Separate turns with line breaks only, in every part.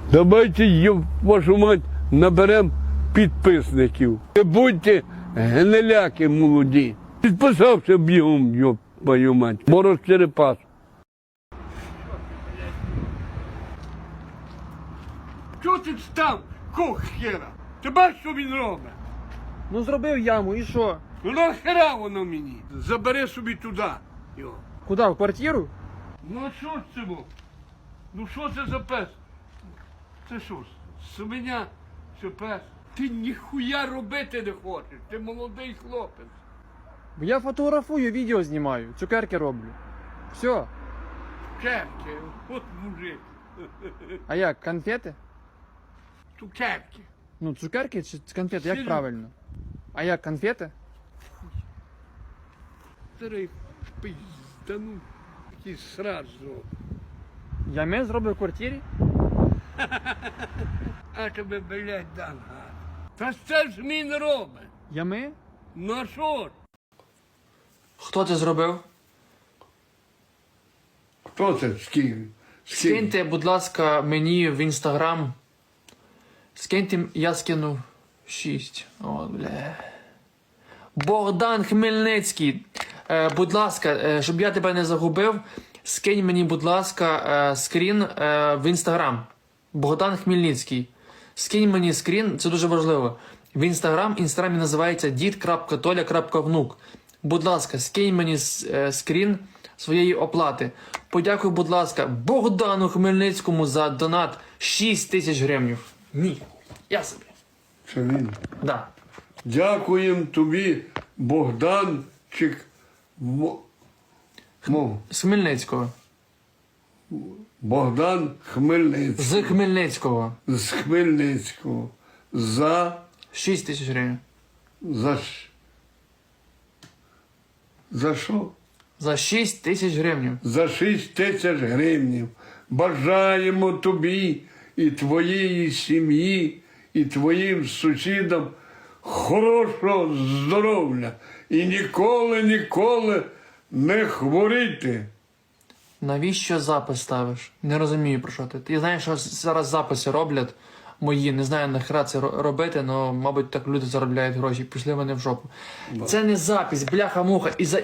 Давайте, вашу мать, наберемо підписників. Не будьте гниляки молоді. Підписався бігом, твою мать. Мороз Черепас. Чого ти став, кох хера? Ти бачиш, що він робить?
Ну зробив яму, і що?
Ну нахера воно мені? Забери собі туди його.
Куди, в квартиру?
Ну а що ж це було? Ну що це за пес? Це що ж, свиня чи пес? Ти ніхуя робити не хочеш, ти молодий хлопець.
Бо я фотографую, відео знімаю, цукерки роблю. Все.
Цукерки, от мужик.
А як, конфети?
Цукерки.
Ну, цукерки чи конфети, як
Серйозно?
правильно? А як, конфети?
Старий пиздану, якийсь сраж зробив.
Ями зробив в квартирі?
А тебе, блядь, дам гад. Та це ж він робить.
Ями?
Ну а що ж?
Хто це зробив?
Хто це скинь?
Скиньте, будь ласка, мені в інстаграм. Скиньте, я скинув 6. О, бля. Богдан Хмельницький. Будь ласка, щоб я тебе не загубив, скинь мені, будь ласка, скрін в інстаграм. Богдан Хмельницький. Скинь мені скрін, це дуже важливо. В інстаграмі називається дід.толя.внук. Будь ласка, скинь мені скрін своєї оплати. Подякуй, будь ласка, Богдану Хмельницькому за донат 6 тисяч гривень. Ні, я собі.
Це він.
Да.
Дякуємо тобі, Богданчик.
З Хмельницького.
Богдан Хмельницький.
З Хмельницького.
З Хмельницького. За
6 тисяч гривень.
За що?
За 6 тисяч гривень.
За 6 тисяч гривень. Бажаємо тобі і твоїй сім'ї, і твоїм сусідам хорошого здоров'я. І ніколи не хворіти.
Навіщо запис ставиш? Не розумію, про що ти. Ти знаєш, що зараз записи роблять мої, не знаю нахера це робити, але, мабуть, так люди заробляють гроші, пішли вони в жопу. Це не запис, бляха-муха. І за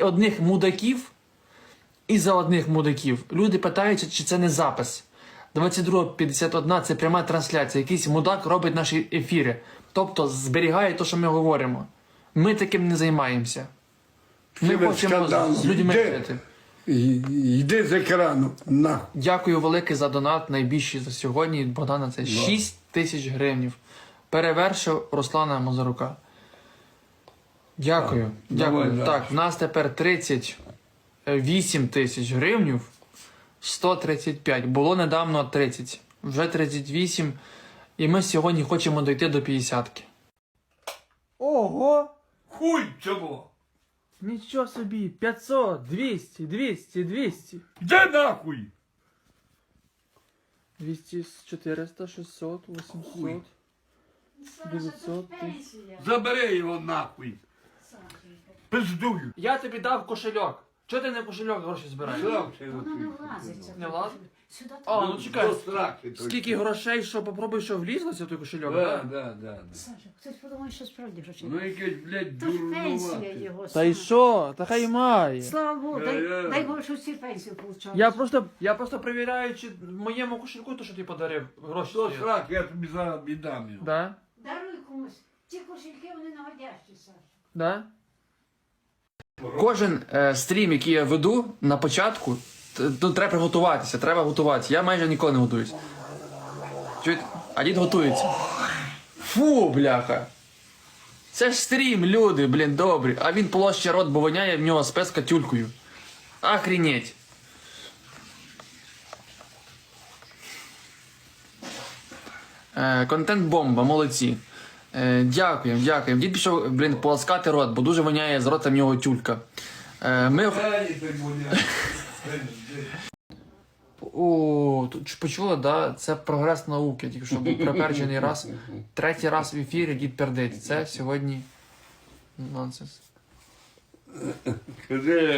одних мудаків люди питаються, чи це не запис. 22:51 це пряма трансляція. Якийсь мудак робить наші ефіри. Тобто зберігає те, що ми говоримо. Ми таким не займаємося. Ми хочемо з людьми жити.
Йди з екрану. На.
Дякую велике за донат, найбільший за сьогодні. Богдана, це 6 тисяч гривень. Перевершив Руслана Мазурука. Дякую. Дякую.
Давай,
так, в нас тепер 38 тисяч гривень. 135. Було недавно 30. Вже 38. І ми сьогодні хочемо дойти до 50-ки. Ого!
Хуй цього!
Нічого собі, 500, 200.
Де нахуй?
200, 400, 600, 800, 900.
Забери його нахуй. Пиздую.
Я тобі дав кошельок. Чого ти не кошельок гроші збираєш?
Срав це
Воно не влазить.
Не влазить?
Сюди
А,
так.
ну чекай.
До страхи той.
Скільки грошей, що попробуй, що влізлося в той кошельок?
Да.
Саша, хтось подумає, що справді грошей.
Ну якесь, блядь,
То ж пенсія
дурнувате.
його.
Та й
Саша.
що? Та хай має.
Слава Богу,
Я-
дай Боже, що всі пенсію получали.
Я просто перевіряю, чи в моєму кошельку то, що ти подарив, гроші
До
стоять.
страх, я тобі зараз віддам його.
Да?
Даруй комусь. Ті кошельки, вони наводящі, Саша.
Да? Кожен стрім, який я веду на початку, тут треба приготуватися, треба готуватися. Я майже ніколи не готуюсь. Чуєте? А дід готується. Фу, бляха. Це ж стрім, люди, блін, добрі. А він площа рот, бо воняє в нього спец катюлькою. Охренеть. Контент-бомба, молодці. Дякуємо. Дід пішов, блін, полоскати рот, бо дуже воняє з рота в нього тюлька. Ми... О, тут почули, да? Це прогрес науки, тільки що був приперджений раз. 3-й раз в ефірі дід пердить. Це сьогодні нонсенс.
Скажи,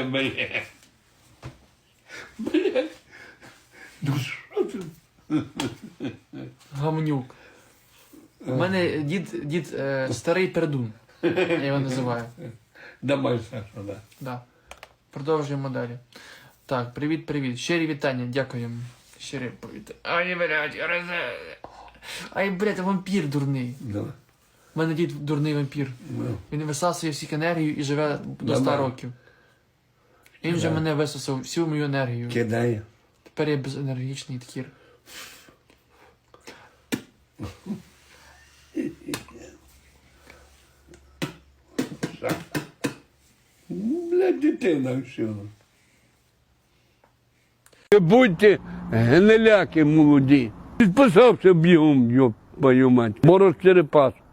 блядь. Ну що ти?
Гамнюк. У мене дід старий пердун. Я його називаю.
Давай, Саша, да.
Да. Продовжуємо далі. Так, привіт. Щирі вітання, дякуємо. Щирі привіт. Ай, блядь, ай, блядь, вампір дурний.
Да.
У мене дід дурний вампір.
Ну,
Він висасує всіх енергію і живе до 100
Нормально.
років. Він вже мене висосав всю мою енергію.
кидає.
Тепер я безенергічний такір.
Блядь, дитина вчила. Не будьте гниляки молоді. Підписався бігом, йоп, твою мать. Мороз Черепас.